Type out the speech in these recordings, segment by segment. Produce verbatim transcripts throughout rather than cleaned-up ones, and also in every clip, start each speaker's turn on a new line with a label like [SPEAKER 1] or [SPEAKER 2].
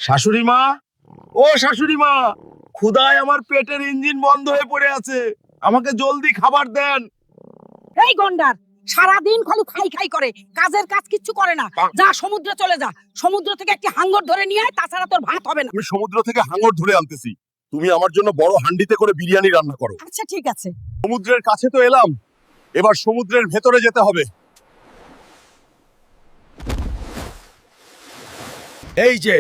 [SPEAKER 1] শাশুড়ি মা, ও শাশুড়ি মা, ক্ষুধায় আমার পেটের ইঞ্জিন বন্ধ হয়ে পড়ে আছে, আমাকে জলদি খাবার দেন।
[SPEAKER 2] এই গন্ডার সারাদিন খালি খাই খাই করে, কাজের কাজ কিচ্ছু করে না। যা সমুদ্রে চলে যা, সমুদ্র থেকে একটি হাঙ্গর ধরে নিয়ে আয়, তাছাড়া তোর ভাত হবে না।
[SPEAKER 1] আমি সমুদ্র থেকে হাঙর ধরে আনতেছি, তুমি আমার জন্য বড় হান্ডিতে করে বিরিয়ানি রান্না করো।
[SPEAKER 2] আচ্ছা ঠিক আছে।
[SPEAKER 1] সমুদ্রের কাছে তো এলাম, এবার সমুদ্রের ভেতরে যেতে হবে।
[SPEAKER 3] এই যে,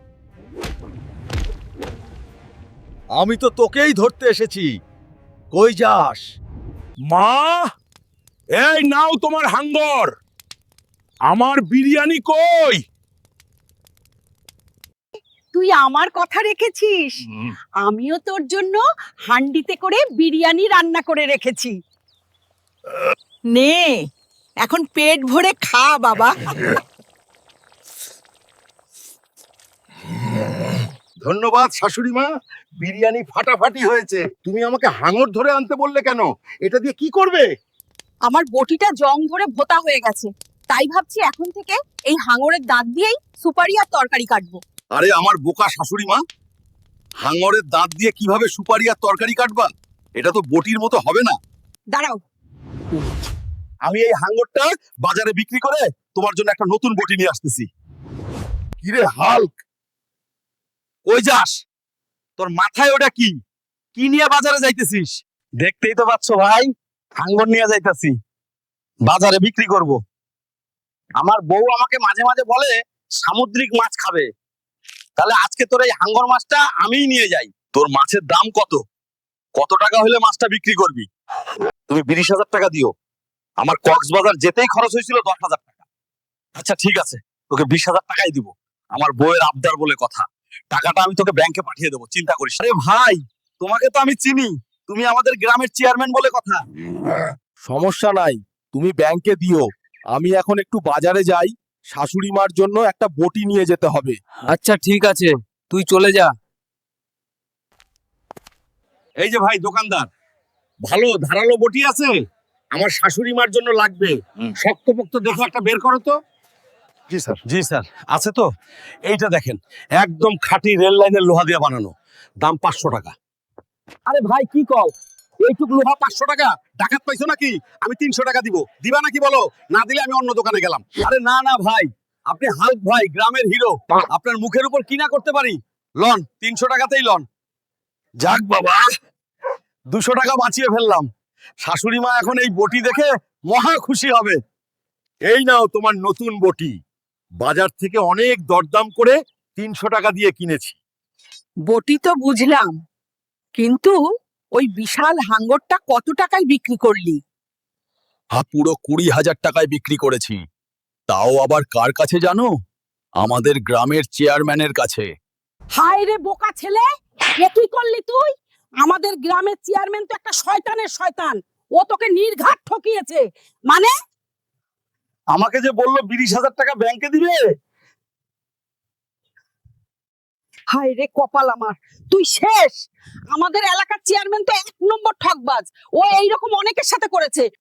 [SPEAKER 3] আমি তো তোকেই ধরতে এসেছি। কই যাস?
[SPEAKER 1] মা, এই নাও তোমার হাঙ্গর, আমার বিরিয়ানি কই?
[SPEAKER 2] তুই আমার কথা রেখেছিস, আমিও তোর জন্য হান্ডিতে করে বিরিয়ানি রান্না করে রেখেছি। নে এখন পেট ভরে খা বাবা।
[SPEAKER 1] ধন্যবাদ শাশুড়ি মা, বিরিয়ানি ফাটাফাটি হয়েছে। তুমি আমাকে হাঙর ধরে আনতে বললে কেন? এটা দিয়ে কি করবে?
[SPEAKER 2] আমার বটিটা জং ধরে ভোতা হয়ে গেছে, তাই ভাবছি এখন থেকে এই হাঙরের দাঁত দিয়েই সুপারি আর তরকারি কাটবো।
[SPEAKER 1] আরে আমার বোকা শাশুড়ি মা, হাঙরের দাঁত দিয়ে কিভাবে সুপারি আর তরকারি কাটবা? এটা তো বটির মতো হবে না।
[SPEAKER 2] দাঁড়াও,
[SPEAKER 1] আমি এই হাঙরটা বাজারে বিক্রি করে তোমার জন্য একটা নতুন বটি নিয়ে আসতেছি। কিরে হাল্ক,
[SPEAKER 3] কই যাস? তোর মাথায় ওটা কি? কি নিয়ে বাজারে যাইতেছিস? দেখতেই তো পাচ্ছ ভাই, হাঙ্গর নিয়ে যাইতাছি, বাজারে বিক্রি করব। আমার বউ আমাকে মাঝে মাঝে বলে সামুদ্রিক মাছ খাবে, তাহলে আজকে তোর এই হাঙ্গর মাছটা আমিই নিয়ে যাই। তোর মাছের দাম কত? কত টাকা হলে মাছটা বিক্রি করবি? তুমি বিশ হাজার টাকা দিও। আমার কক্সবাজার যেতেই খরচ হয়েছিল দশ হাজার টাকা। আচ্ছা ঠিক আছে, তোকে বিশ হাজার টাকাই দিব। আমার বউয়ের আবদার বলে কথা, টাকাটা আমি তোকে ব্যাংকে পাঠিয়ে দেবো, চিন্তা করিস না। আরে ভাই, তোমাকে তো আমি চিনি, তুমি আমাদের গ্রামের চেয়ারম্যান বলে কথা।
[SPEAKER 4] সমস্যা নাই, তুমি ব্যাংকে দিও। আমি এখন একটু বাজারে যাই, শাশুড়ি মার জন্য একটা বটি নিয়ে যেতে হবে।
[SPEAKER 5] আচ্ছা ঠিক আছে, তুই চলে যা।
[SPEAKER 1] এই যে ভাই দোকানদার, ভালো ধারালো বটি আছে? আমার শাশুড়ি মার জন্য লাগবে, শক্তপোক্ত দেখে একটা বের করো তো।
[SPEAKER 4] জি স্যার।
[SPEAKER 1] জি স্যার, আছে তো। এইটা দেখেন, একদম খাঁটি রেল লাইনের লোহা দিয়ে বানানো, দাম পাঁচশো টাকা। আরে ভাই কি কও, এইটুক লোহা পাঁচশো টাকা? ডাকাত পাইছো নাকি? আমি তিনশো টাকা দিব, দিবা নাকি বলো? না দিলে আমি অন্য দোকানে গেলাম।
[SPEAKER 3] আরে না না ভাই, আপনি হাল্ক ভাই, গ্রামের হিরো, আপনার মুখের উপর কি না করতে পারি। লন, তিনশো টাকাতেই লন।
[SPEAKER 1] যাক বাবা, দুশো টাকা বাঁচিয়ে ফেললাম। শাশুড়ি মা এখন এই বটি দেখে মহা খুশি হবে। এই নাও তোমার নতুন বটি, বাজার থেকে অনেক দরদাম করে তিনশো টাকা দিয়ে কিনেছি।
[SPEAKER 2] বটি তো বুঝলাম, কিন্তু ওই বিশাল হাঙ্গরটা কত টাকায় বিক্রি করলি?
[SPEAKER 4] হ্যাঁ, পুরো কুড়ি হাজার টাকায় বিক্রি করেছি। তাও আবার কার কাছে জানো? আমাদের গ্রামের চেয়ারম্যানের কাছে।
[SPEAKER 2] হায় রে বোকা ছেলে, এ কি করলি তুই? আমাদের গ্রামের চেয়ারম্যান তো একটা শয়তানের শয়তান, ও তোকে নির্ঘাত ঠকিয়েছে। মানে
[SPEAKER 3] আমাকে যে বললো বিশ হাজার টাকা ব্যাংকে দিবে।
[SPEAKER 2] হায় রে কপাল আমার, তুই শেষ। আমাদের এলাকার চেয়ারম্যান তো এক নম্বর ঠকবাজ, ও এইরকম অনেকের সাথে করেছে।